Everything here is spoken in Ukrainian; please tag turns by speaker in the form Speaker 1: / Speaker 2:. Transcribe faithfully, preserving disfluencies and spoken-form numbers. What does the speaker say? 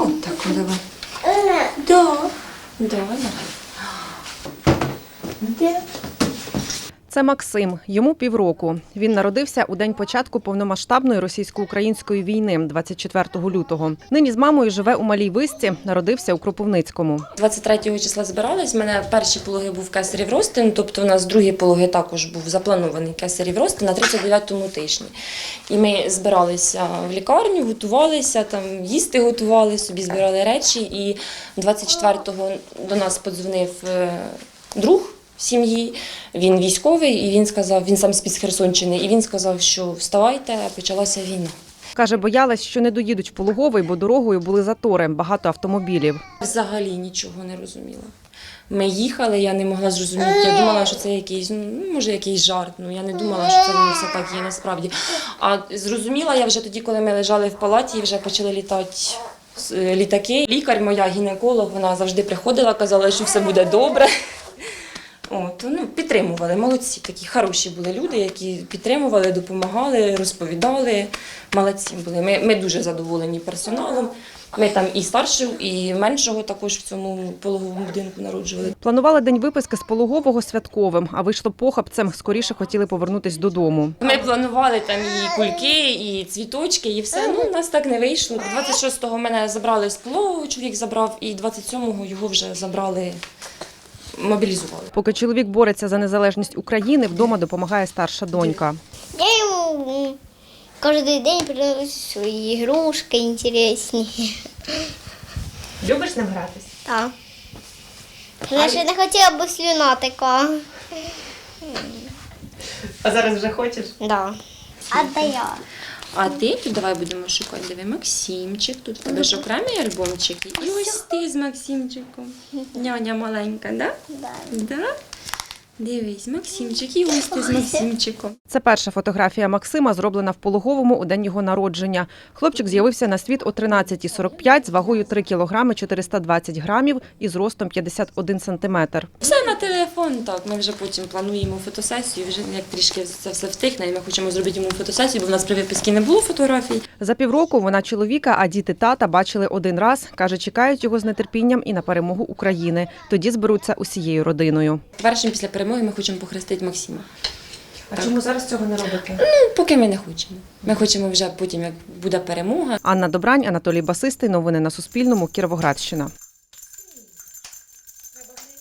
Speaker 1: От так, давай. Да. Давай. Де?
Speaker 2: Це Максим, йому півроку. Він народився у день початку повномасштабної російсько-української війни, двадцять четвертого лютого. Нині з мамою живе у Малій Висці, народився у Кропивницькому.
Speaker 1: двадцять третього числа збирались, в мене перші пологи був кесарів розтин, тобто у нас другий пологи також був запланований кесарів розтин на тридцять дев'ятому тижні. І ми збиралися в лікарню, готувалися, там їсти готували, собі збирали речі. І двадцять четвертого до нас подзвонив друг сім'ї, він військовий, і він сказав, він сам з-під Херсонщини, і він сказав, що вставайте, почалася війна.
Speaker 2: Каже, боялась, що не доїдуть в пологовий, бо дорогою були затори, багато автомобілів.
Speaker 1: Взагалі нічого не розуміла. Ми їхали, я не могла зрозуміти, я думала, що це якийсь, ну, може, якийсь жарт, ну, я не думала, що це воно все так є насправді. А зрозуміла я вже тоді, коли ми лежали в палаті і вже почали літати літаки. Лікар, моя гінеколог, вона завжди приходила, казала, що все буде добре. От, ну, підтримували, молодці, такі хороші були люди, які підтримували, допомагали, розповідали, молодці були. Ми, ми дуже задоволені персоналом. Ми там і старшого, і меншого також в цьому пологовому будинку народжували.
Speaker 2: Планували день виписки з пологового святковим, а вийшло похабцем, скоріше хотіли повернутися додому.
Speaker 1: Ми планували там і кульки, і цвіточки, і все. Ну, у нас так не вийшло. двадцять шостого мене забрали з пологового, чоловік забрав, і двадцять сьомого його вже забрали. Мобілізували.
Speaker 2: Поки чоловік бореться за незалежність України, вдома допомагає старша донька.
Speaker 3: Я йому кожен день приношу свої ігрушки інтересні.
Speaker 1: Любиш ним гратись?
Speaker 3: Так. Я ще не хотіла б слюна така.
Speaker 1: А зараз вже хочеш?
Speaker 3: Да. А де я?
Speaker 1: А ти тут давай будемо шукати. Диви, Максимчик, тут в тебе ж окремі альбомчики. І ось ти з Максимчиком. Няня маленька, да?
Speaker 3: Да.
Speaker 1: Да? Дивись, Максимчик, і ось ти з Максимчиком.
Speaker 2: Це перша фотографія Максима, зроблена в пологовому у день його народження. Хлопчик з'явився на світ о тринадцятій сорок п'ять з вагою три кілограми чотириста двадцять грамів і зростом п'ятдесят один сантиметр.
Speaker 1: Все на телефон, так. Ми вже потім плануємо фотосесію, вже як трішки це все втихне, і ми хочемо зробити йому фотосесію, бо в нас при виписці не було фотографій.
Speaker 2: За півроку вона чоловіка, а діти тата бачили один раз. Каже, чекають його з нетерпінням і на перемогу України. Тоді зберуться усією родиною.
Speaker 1: Першим після перемоги ми хочемо похрестити Максима.
Speaker 2: А
Speaker 1: так.
Speaker 2: чому зараз цього не робите?
Speaker 1: Ну, поки ми не хочемо. Ми хочемо вже потім, як буде перемога.
Speaker 2: Анна Добрань, Анатолій Басистий. Новини на Суспільному. Кіровоградщина.